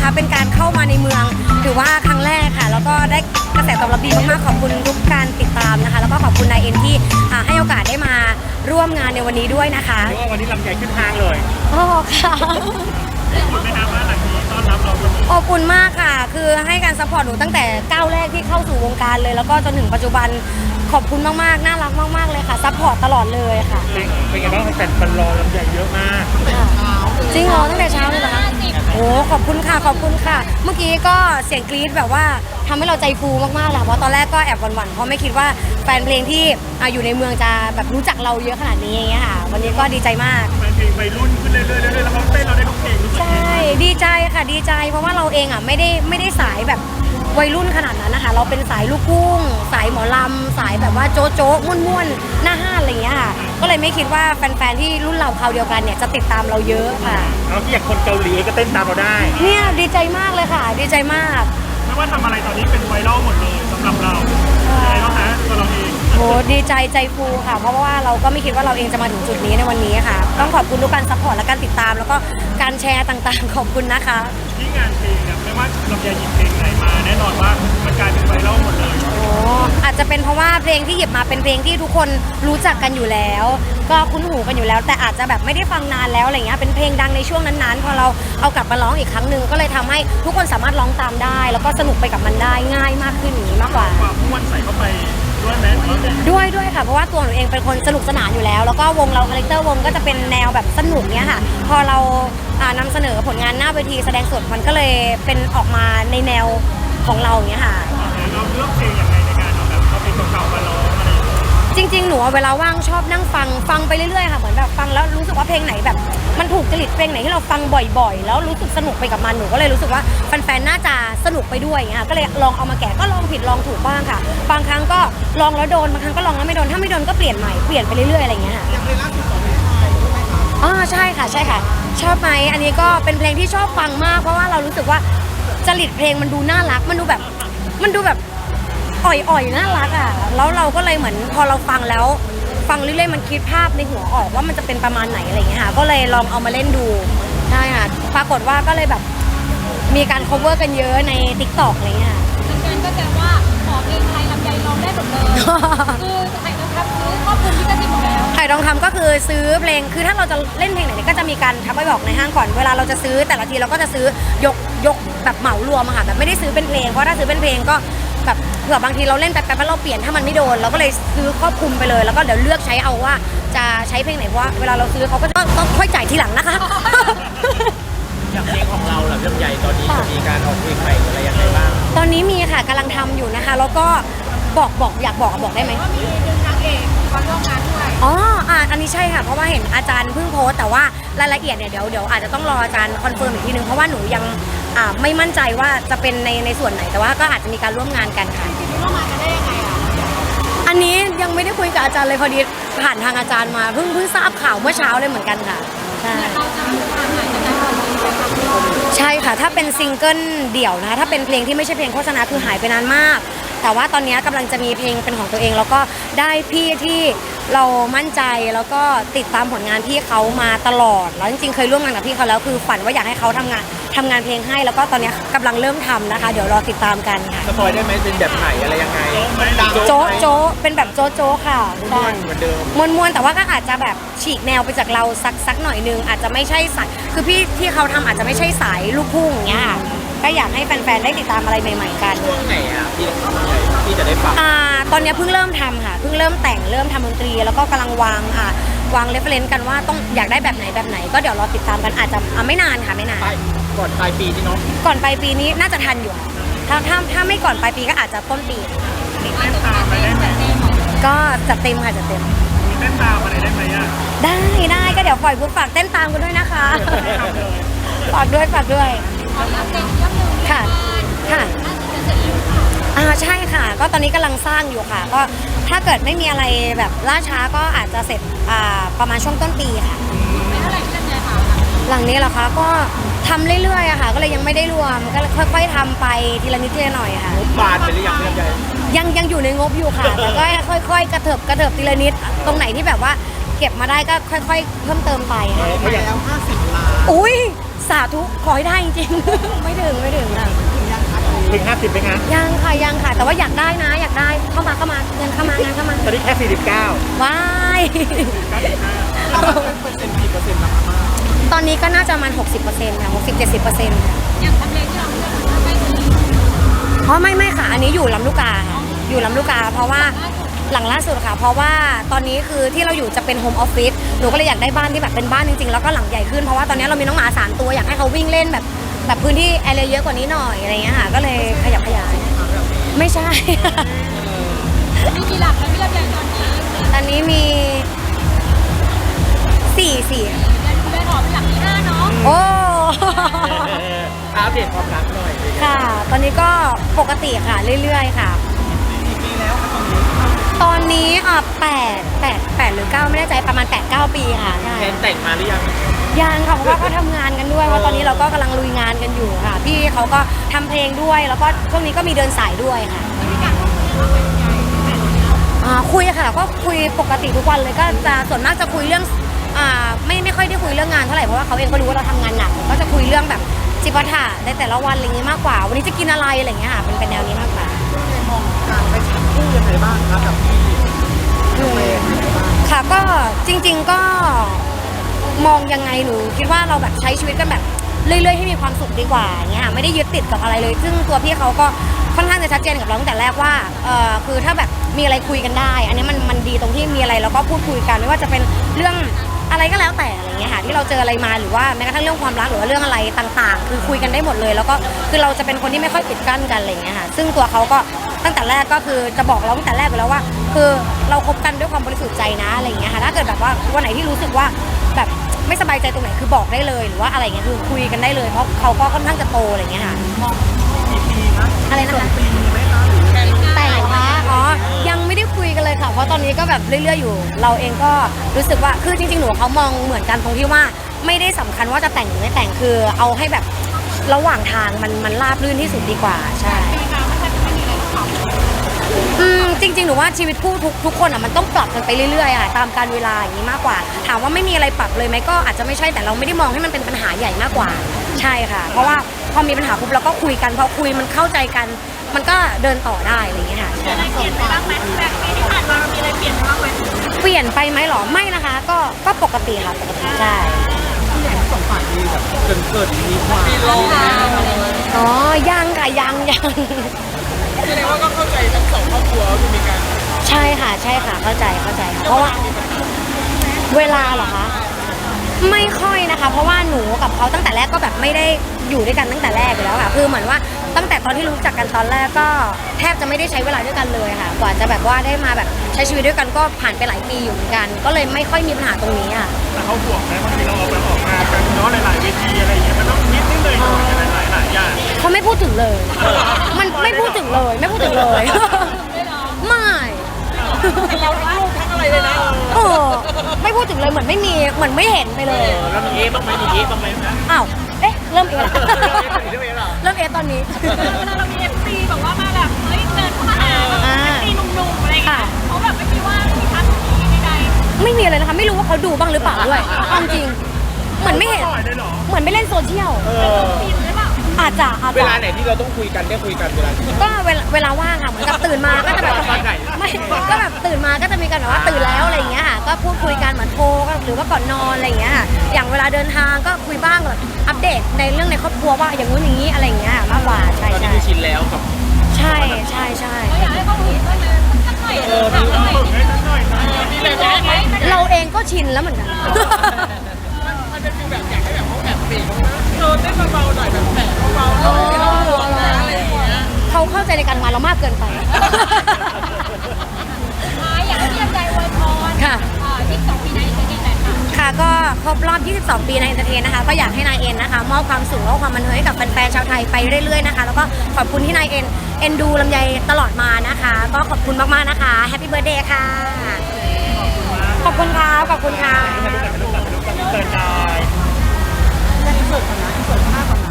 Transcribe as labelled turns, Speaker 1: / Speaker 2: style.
Speaker 1: เป็นการเข้ามาในเมืองถือว่าครั้งแรกค่ะแล้วก็ได้กระแสตอบรับดีมากๆขอบคุณทุกการติดตามนะคะแล้วก็ขอบคุณนายเอ็นที่ให้โอกาสได้มาร่วมงานในวันนี้ด้วยนะคะ
Speaker 2: เรียกว่าวันนี้ลำใหญ่ขึ้นห้างเลย
Speaker 1: โอ้ค่ะ
Speaker 2: คุณไหมครับว่าหลังนี้ต้อนรับเราวันนี้
Speaker 1: อบอุ่นมากค่ะคือให้การซัพพอร์ตหนูตั้งแต่ก้าวแรกที่เข้าสู่วงการเลยแล้วก็จนถึงปัจจุบันขอบคุณมากๆน่ารักมากๆเลยค่ะซัพพอร์ตตลอดเลยค่ะ
Speaker 2: เป็นไงบ้างแฟนรอลำใหญ่เยอะมาก
Speaker 1: จริงเหรอตั้งแต่เช้าเลยเหรอคะโอ้ขอบคุณค่ะขอบคุณค่ะ เมื่อกี้ก็เสียงกรี๊ดแบบว่าทำให้เราใจฟูมากๆเลยเพราะตอนแรกก็แอบหวั่นๆเพราะไม่คิดว่าแฟนเพลงที่อยู่ในเมืองจะแบบรู้จักเราเยอะขนาดนี้อย่างเงี้ยค่ะวันนี้ก็ดีใจมาก
Speaker 2: แฟนเพลงวัยรุ่นขึ้นเรื่อยๆแล้วเขาเต้นเราได้ทุกเพลงรู้สึก
Speaker 1: ใช่ดีใจค่ะดีใจเพราะว่าเราเองไม่ได้สายแบบวัยรุ่นขนาดนั้นนะคะเราเป็นสายลูกกุ้งสายหมอลำสายแบบว่าโจ๊ะโจ๊ะม่วนๆหน้าห้านอะไรอย่างเงี้ยค่ะก็เลยไม่คิดว่าแฟนๆที่รุ่นเราคราวเดียวกันเนี่ยจะติดตามเราเยอะค่ะ
Speaker 2: แล้วที่อย่างคนเกาหลีก็เต้นตามเราได้
Speaker 1: เนี่ยดีใจมากเลยค่ะ ดีใจมาก
Speaker 2: ไม่ว่าทำอะไรตอนนี้เป็นไวรัลหมดเลยสำหรับเราอะไรบ้างฮะตัวเราเอง
Speaker 1: โหดีใจใจฟูค่ะ เพราะว่าเราก็ไม่คิดว่าเราเองจะมาถึงจุดนี้ในวันนี้ค่ะ ต้องขอบคุณทุกการซัพพอร์ตและการติดตาม แล้วก็การแชร์ต่างๆ ขอบคุณนะคะ
Speaker 2: ที่งานเพลงเนี่ยไม่ว่าลำใหญ่หยิบเพลงไหนมาแน่นอนว่ามันกลายเป็นไวรัลหมดเลย
Speaker 1: โอ้อาจจะเป็นเพราะว่าเพลงที่หยิบมาเป็นเพลงที่ทุกคนรู้จักกันอยู่แล้ว ก็คุ้นหูกันอยู่แล้ว แต่อาจจะแบบไม่ได้ฟังนานแล้วอะไรเงี้ยเป็นเพลงดังในช่วงนั้นๆพอเราเอากลับมาร้องอีกครั้งหนึ่งก็เลยทำให้ทุกคนสามารถร้องตามได้ แล้วก็สนุกไปกับมันได้ง่ายมากขึ้นอย่างนี้มากกว่า
Speaker 2: ความม้วนใส่เข้าไปด้วยไหม
Speaker 1: ด้วยค่ะเพราะว่าตัวหนูเองเป็นคนสนุกสนานอยู่แล้ว แล้วก็วงเราคาแรคเตอร์วงก็จะเป็นแนวแบบสนุกเนี้ยค่ะ พอเรานำเสนอผลงานหน้าเวทีแสดงสดมันก็เลยเป็นออกมาในแนวของเราอย่างเงี้ยค่ะ
Speaker 2: เราเลือกเพลงยังไงในการเอาแบบเอาเพลงเก่าๆมาร้องอะไรอย่างเงี้ย
Speaker 1: จริงๆหนูเวลาว่างชอบนั่งฟังไปเรื่อยๆค่ะเหมือนแบบฟังแล้วรู้สึกว่าเพลงไหนแบบมันถูกจริตเพลงไหนที่เราฟังบ่อยๆ แล้วรู้สึกสนุกไปกับมันหนูก็เลยรู้สึกว่าแฟนๆน่าจะสนุกไปด้วยอย่างเงี้ยค่ะก็เลยลองเอามาแกะก็ลองผิดลองถูกบ้างค่ะบางครั้งก็ลองแล้วโดนบางครั้งก็ลองแล้วไม่โดนถ้าไม่โดนก็เปลี่ยนใหม่เปลี่ยนไปเรื่อยๆอะไรอย่างเงี้ยค่ะ
Speaker 3: อย่างเพลงล่าสุดของพี่ชายใช่ไหมคะ
Speaker 1: อ๋อใช่ค่ะใช่ค่ะ ชอบไหมอันนี้ก็เป็นเพลงที่ชอบฟังมาก เพราะว่าเรารู้สึกว่าจริตเพลงมันดูน่ารักมันดูแบบอ่อยๆน่ารักอ่ะแล้วเราก็เลยเหมือนพอเราฟังแล้วฟังเรื่อยๆมันคิดภาพในหัวออกว่ามันจะเป็นประมาณไหนอะไรอย่างเงี้ยค่ะก็เลยลองเอามาเล่นดูใช่ค่ะปรากฏว่าก็เลยแบบมีการ cover กันเยอะใน TikTok อะไรเงี้ยค่ะ
Speaker 4: แฟนๆก็แซวว่าขอเพลงไทยลำไยร้องได้หมดเลย คือไทยนะครับซื้อครอบคลุมลิขสิทธิ์หมดแล้ว
Speaker 1: ไข่ทองคำก็คือซื้อเพลงคือถ้าเราจะเล่นเพลงไหนเนี่ยก็จะมีการทักไปบอกในห้างก่อนเวลาเราจะซื้อแต่ละทีเราก็จะซื้อยกแบบเหมารวมอะค่ะแบบไม่ได้ซื้อเป็นเพลงเพราะถ้าซื้อเป็นเพลงก็แบบเผื่อบางทีเราเล่นแป๊บๆแล้วเราเปลี่ยนถ้ามันไม่โดนเราก็เลยซื้อครอบคลุมไปเลยแล้วก็เดี๋ยวเลือกใช้เอาว่าจะใช้เพลงไหนเพราะว่าเวลาเราซื้อเขาก็ต้องค่อยจ่ายทีหลังนะคะ
Speaker 3: อย่างเพลงของเราเหล่าลำใหญ่ตอนนี้จะมีการออกเพลงใหม่อะไรยังไงบ้าง
Speaker 1: ตอนนี้มีค่ะกำลังทำอยู่นะคะแล้วก็บอกอยากบอกได้ไหม
Speaker 4: ว่ามีดึงนางเอกมาร่วมงานด้วย
Speaker 1: อ๋ออันนี้ใช่ค่ะเพราะว่าเห็นอาจารย์เพิ่งโพสต์แต่ว่ารายละเอียดเนี่ยเดี๋ยวอาจจะต้องรออาจารย์คอนเฟิร์มอีกทีนึงเพราะว่าหนูยังไม่มั่นใจว่าจะเป็นในส่วนไหนแต่ว่าก็อาจจะมีการร่วมงานกันค่ะ
Speaker 4: ทีนี้ร่วมงานกันได้ยังไงอ่ะ
Speaker 1: อันนี้ยังไม่ได้คุยกับอาจารย์เลยพอดีผ่านทางอาจารย์มาเพิ่งทราบข่าวเมื่อเช้าเลยเหมือนกันค่ะใช่
Speaker 4: เราจะมีความหมายจากการทำเพลงไปครับ
Speaker 1: ใช่ค่ะถ้าเป็นซิงเกิลเดี่ยวนะคะถ้าเป็นเพลงที่ไม่ใช่เพลงโฆษณาคือหายไปนานมาก แต่ว่าตอนนี้กำลังจะมีเพลงเป็นของตัวเอง แล้วก็ได้พี่ที่เรามั่นใจแล้วก็ติดตามผลงานพี่เขามาตลอดแล้วจริงๆเคยร่วมงานกับพี่เขาแล้วคือฝันว่าอยากให้เขาทำงานเพลงให้แล้วก็ตอนนี้กำลังเริ่มทำนะคะ เดี๋ยวรอติดตามกันค่ะ
Speaker 3: สปอยได้ไหมเป็นแบบไหนอะไรยังไง
Speaker 1: โจ๊ะโจ๊ะเป็นแบบโจ๊ะโจ๊ะค่ะใช่
Speaker 3: เหมือนเดิม
Speaker 1: มวนๆแต่ว่าก็อาจจะแบบฉีกแนวไปจากเราสักหน่อยนึงอาจจะไม่ใช่สายคือพี่ที่เขาทำอาจจะไม่ใช่สายลูกทุ่งอย่างเงี้ยค่ะก็อยากให้แฟนๆได้ติดตามอะไรใหม่ๆกัน
Speaker 3: ช่วงไหนอ่ะที่จะได้ฟัง
Speaker 1: ตอนนี้เพิ่งเริ่มทำค่ะเพิ่งเริ่มแต่งเริ่มทำดนตรีแล้วก็กำลังวางเรฟเฟรนซ์กันว่าต้องอยากได้แบบไหนก็เดี๋ยวรอติดตามกันอาจจะไม่นานค่ะไม่นาน
Speaker 3: ก่อนปลายปีที่น้อง
Speaker 1: ก่อนปลายปีนี้น่าจะทันอยู่ค่ะถ้าไม่ก่อนปลายปีก็อาจจะต้นปี
Speaker 2: มีเต้นตามไปได้ไหม
Speaker 1: ก็จัดเต็มค่ะจัดเต็ม
Speaker 2: มีเต้นตามอะไรได้ไหมอ่ะ
Speaker 1: ได้ก็เดี๋ยวปล่อยปุ๊บฝากเต้นตามกันด้วยนะคะ
Speaker 2: ไม่ทำเลย
Speaker 1: ฝากด้วย
Speaker 4: ขอรับเพลงเรื่องหนึ่ง
Speaker 1: ค่ะค่ะ
Speaker 4: น่าจะเสร็จแล้วค่ะ
Speaker 1: ใช่ค่ะ ก็ตอนนี้กำลังสร้างอยู่ค่ะ ก็ถ้าเกิดไม่มีอะไรแบบล่าช้าก็อาจจะเสร็จประมาณช่วงต้นปีค่ะ
Speaker 4: ไม่เท่าไหร่ที่ลำไยค่ะ
Speaker 1: หลังนี้เหรอคะก็ทำเรื่อยๆอะค่ะ ก็เลยยังไม่ได้รวมก็ค่อยๆทำไปทีละนิดทีละหน่อยค่ะ
Speaker 3: บานไปหรือยังลำใหญ่
Speaker 1: ยังอยู่ในงบอยู่ค่ะ แต่ก็ค่อยๆกระเถิบทีละนิดตรงไหนที่แบบว่าเก็บมาได้ก็ค่อยๆเพิ่มเติมไปค่ะ
Speaker 3: ไปแล้ว50 ล้าน
Speaker 1: อุ้ยสสาธุขอให้ได้จริงๆ ไม่ถึงค่ะ
Speaker 3: ถึง50ไหมคะ
Speaker 1: ยังค่ะ แต่ว่าอยากได้นะอยากได้เข้ามาเงินเข้ามางานเข้ามา
Speaker 3: ตอนนี้แค่49
Speaker 1: ว้าย
Speaker 3: เปอร์เซ็นต์กี่เปอร์เซ็นต์แล้วครับ
Speaker 1: ตอนนี้ก็น่าจะประมาณ60%ค่ะ60-70%ค่ะ
Speaker 4: อย่างทำเลที่เราเลือกมันไม่ดี
Speaker 1: อ๋อไม่ค่ะ อันนี้อยู่ลำลูกกาค่ะอยู่ลำลูกกา เพราะว่าหลังล่าสุดค่ะ เพราะว่าตอนนี้คือที่เราอยู่จะเป็นโฮมออฟฟิศหนูก็เลยอยากได้บ้านที่แบบเป็นบ้านจริงๆแล้วก็หลังใหญ่ขึ้นเพราะว่าตอนนี้เรามีน้องหมา3 ตัวอยากให้เขาวิ่งเล่นแบบพื้นที่แอเรียเยอะกว่านี้หน่อยอะไรเงี้ยค่ะก็เลยขยับขยายไม่ใช่
Speaker 4: มีกี่หลักแล้วพี่ลำไยตอนนี้
Speaker 1: ตอนนี้มี4
Speaker 4: เดือนขอเป็นหลักที่5เนาะ
Speaker 1: โอ้
Speaker 3: อัปเดตความรักหน่อย
Speaker 1: ค่ะ ตอนนี้ก็ปกติค่ะเรื่อยๆค่ะตอนนี้8หรือ 9ไม่แน่ใจประมาณ 8-9 ปีค่ะใช่
Speaker 3: แทนแต่งมาหรือยัง
Speaker 1: ยังค่ะเพราะว่าก็ทำงานกันด้วยว่าตอนนี้เราก็กำลังลุยงานกันอยู่ค่ะพี่เขาก็ทำเพลงด้วยแล้วก็ช่วงนี้ก็มีเดินสายด้วยค่ะคุยค่ะก็คุยปกติทุกวันเลยก็จะส่วนมากจะคุยเรื่องไม่ค่อยได้คุยเรื่องงานเท่าไหร่เพราะว่าเขาเองก็รู้ว่าเราทำงานหนักก็จะคุยเรื่องแบบจิปาถะในแต่ละวันอะไรอย่างนี้มากกว่าวันนี้จะกินอะไรอะไรอย่างเงี้ยค่ะเป็นแนวนี้มากกว่า
Speaker 3: มองการไปฉันคู่ยังไงบ้างครับกับพี่
Speaker 1: ค่ะก็จริงๆก็มองยังไงหนูคิดว่าเราแบบใช้ชีวิตกันแบบเรื่อยๆให้มีความสุขดีกว่าอย่างเงี้ยไม่ได้ยึดติดกับอะไรเลยซึ่งตัวพี่เขาก็ค่อนข้างจะชัดเจนกับเราตั้งแต่แรกว่าคือถ้าแบบมีอะไรคุยกันได้ อันนี้มันดีตรงที่มีอะไรเราก็พูดคุยกันไม่ว่าจะเป็นเรื่องอะไรก็แล้วแต่อะไรเงี้ยค่ะที่เราเจออะไรมาหรือว่าแม้กระทั่งเรื่องความรักหรือว่าเรื่องอะไรต่างๆ คือคุยกันได้หมดเลยแล้วก็คือเราจะเป็นคนที่ไม่ค่อยปิดกั้นกันอะไรเงี้ยค่ะซึ่งตัวเขาก็ตั้งแต่แรกก็คือจะบอกเราตั้งแต่แรกไปแล้วว่า คือเราคบกันด้วยความบริสุทธิ์ใจนะอะไรอย่างเงี้ยค่ะถ้าเกิดแบบว่าวันไหนที่รู้สึกว่าแบบไม่สบายใจตรงไหนคือบอกได้เลยหรือว่าอะไรเงี้ยคือคุยกันได้เลยเพราะเขาก็ค่อนข้างจะโตอะไรอย่างเงี้ยค่ะ
Speaker 3: กี่ปีครับ
Speaker 1: อะไรนะคะ
Speaker 3: ปีไหมคะหรือแค่
Speaker 1: แต่งคะอ๋อยังไม่ได้คุยกันเลยค่ะเพราะตอนนี้ก็แบบเรื่อยๆอยู่ เราเองก็รู้สึกว่าคือจริงๆหนูเขามองเหมือนกันตรงที่ว่าไม่ได้สำคัญว่าจะแต่งหรือไม่แต่งคือเอาให้แบบระหว่างทางมันราบรื่นที่สุดดีกว่าใช่
Speaker 4: เป็นการไม่ใช่จะไม่มีอะไรต้องปรับ
Speaker 1: จริงๆหนูว่าชีวิตคู่ทุกคนอ่ะมันต้องปรับกันไปเรื่อยๆอ่ะตามการเวลาอย่างนี้มากกว่า ถามว่าไม่มีอะไรปรับเลยไหมก็อาจจะไม่ใช่แต่เราไม่ได้มองให้มันเป็นปัญหาใหญ่มากกว่าใช่ค่ะ เพราะว่าพอมีปัญหาปุ๊บเราก็คุยกันพอคุยมันเข้าใจกัน มันก็เดินต่อได้อะไรอย่างเงี้ยค่ะ
Speaker 4: อะไรเปลี่ยนไปบ้างไหมแบบปีที่ผ่านมามีอะไรเปลี่ยนไปบ้างไหม
Speaker 1: เปลี่ยนไปไหมหรอไม่นะคะก็ปกติค่ะปกติใช่
Speaker 3: สองฝ่ายมีแบบเกิดมีความ
Speaker 1: อ๋อยังค่ะยัง
Speaker 3: แสดงว่าก็เข้าใจทั้งสองครอบครัวคือมีการ
Speaker 1: ใช่ค่ะเข้าใจค่ะเพราะว่าเวลาเหรอคะไม่ค่อยนะคะ เพราะว่าหนูกับเขาตั้งแต่แรกก็แบบไม่ได้อยู่ด้วยกันตั้งแต่แรกอยู่แล้วค่ะคือเหมือนว่าตั้งแต่ตอนที่รู้จักกันตอนแรกก็แทบจะไม่ได้ใช้เวลาด้วยกันเลยค่ะกว่าจะแบบว่าได้มาแบบใช้ชีวิตด้วยกันก็ผ่านไปหลายปีอยู่เหมือนกัน ก็เลยไม่ค่อยมีปัญหาตรงนี้ค่ะ
Speaker 2: แต่เขาห่วงไหมบางทีเราออกมากันเนาะหลายๆเวทีอะไรอย่างเงี้ยมันต้องนิดนึงเลยหน่อยอะไรหลายๆอย่าง
Speaker 1: เขาไม่พูดถึงเลย มันไม่พูดถึงเลยไม่พูดถึงเลย ไม่
Speaker 3: เราทั้งลูกทั้งอะไรเลยนะ
Speaker 1: ไม่พูดถึงเลยเหมือนไม่มีเหมือนไม่เห็นไปเลย
Speaker 3: แล้วมีเอ๊บ้างไหมมีเอ๊บ้างไหมนะ
Speaker 1: อ้าวเอ๊ะเริ่มเอะละ
Speaker 3: เรื่องเอ๊เหรอ
Speaker 1: เริ่มเอะตอนนี้
Speaker 4: เรามี FC แบบว่ามาแบบเฮ้ยเดินเข้ามาหาแบบ FC หนุ่มๆอะไรอย่างเงี้ยเขาแบบไม่คิดว่ามีทักมีใด
Speaker 1: ไม่มีอะไรนะคะไม่รู้ว่าเขาดูบ้างหรือเปล่าด้วยเอาจริงเหมือนไม่เห็น
Speaker 2: ปล่อยเลยเหรอ
Speaker 1: เหมือนไม่เล่นโซเชียล
Speaker 4: ๆปีนหรือเปล่า
Speaker 1: อาจจะ
Speaker 3: เวลาไหนที่เราต้องคุยกันได้คุยกันเวลาที่
Speaker 1: ก็เวลาว่างค่ะเหมือนกับตื่นมาก็จะแบบ
Speaker 3: ตอนไหน
Speaker 1: ไม่ก็แบบตื่นมาก็จะมีกันแบบว่าตื่นแล้วอะไรอย่างเงี้ยค่ะก็พูดคุยกันเหมือนโทรหรือว่าก่อนนอนอะไรอย่างเงี้ยค่ะอย่างเวลาเดินทางก็คุยบ้างแบบอัปเดตในเรื่องในครอบครัวว่าอย่างนู้นอย่างนี้อะไรอย่างเงี้ยมากกว่าใช่
Speaker 3: ตอนนี้
Speaker 1: ใช่
Speaker 3: คือชินแล้วกับ
Speaker 1: ใช่
Speaker 4: เราอยากให้เขาเห็นบ้างเลยสักหน่อยสักหน่อย
Speaker 2: ฝึกให้สักหน่อยนะ
Speaker 1: เราเองก็ชินแล้วเหมือนกัน
Speaker 3: มันเป็นฟีลแบบอยากให้แบบเขาแบบเบรกเต้นเบาๆหน่อยแบบแผลเบาๆหน่อยไม่ต้องห่วงนะอะไรอย่างเงี้ย
Speaker 1: เขาเข้าใจในการงานเรามากเกินไป
Speaker 4: อยากให้พี่ลำไยอวยพร
Speaker 1: ค่ะ
Speaker 4: 22 ปีในอินเตอร์เน็ตหน่อยค่ะ
Speaker 1: ค่ะก็ครบรอบ 22 ปีในเอนเตอร์เทนนะคะ ก็อยากให้นายเอ็นนะคะ มอบความสุขและความบันเทิงให้กับแฟนๆชาวไทยไปเรื่อยๆนะคะ แล้วก็ขอบคุณที่นายเอ็นดูลำไยตลอดมานะคะ ก็ขอบคุณมากๆนะคะแฮปปี้เบิร์ธเดย์ค่ะ ขอบคุณค่ะขอบคุณค่ะ
Speaker 2: ไม่รู้แต่เติร์นได้
Speaker 3: ที่สุดนะที่สุดมากกว่านะ